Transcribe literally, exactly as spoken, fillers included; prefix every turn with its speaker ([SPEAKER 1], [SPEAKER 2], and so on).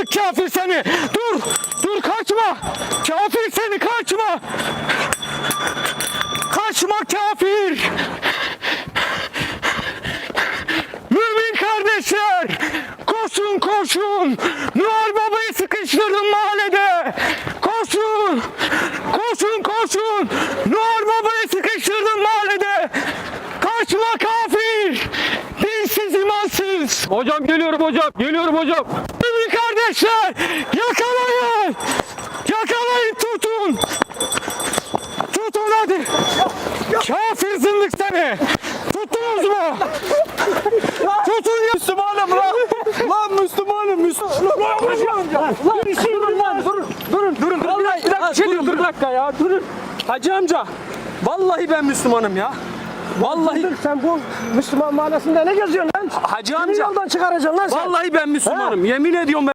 [SPEAKER 1] zındık kafir seni. Dur, dur kaçma. Kafir seni, kaçma. Kaçma kafir. Mümin kardeşler, koşun koşun. Noel Baba'yı sıkıştırdım mahallede. Koşun, koşun koşun. Noel Baba'yı sıkıştırdım mahallede. Kaçma kafir. Dinsiz, imansız. Hocam geliyorum hocam, geliyorum hocam. Mümin kardeşler, yakalayın. Yakalayın, tutun. Tutun hadi. Kafir zındık seni. Tuttunuz mu? Tutun ya.
[SPEAKER 2] Müslümanım lan. Lan Müslümanım, Müslümanım. Lan bir şey durun lan. Durun, durun, durun. Vallahi bir dakika, bir şey durun, bir dakika ya. Durun. Hacı amca. Vallahi ben Müslümanım ya. Vallahi.
[SPEAKER 3] Sen bu Müslüman mahallesinde ne geziyorsun lan?
[SPEAKER 2] Hacı
[SPEAKER 3] Seni
[SPEAKER 2] amca.
[SPEAKER 3] yoldan çıkaracaksın lan sen.
[SPEAKER 2] Vallahi ben Müslümanım. Yemin ediyorum ben.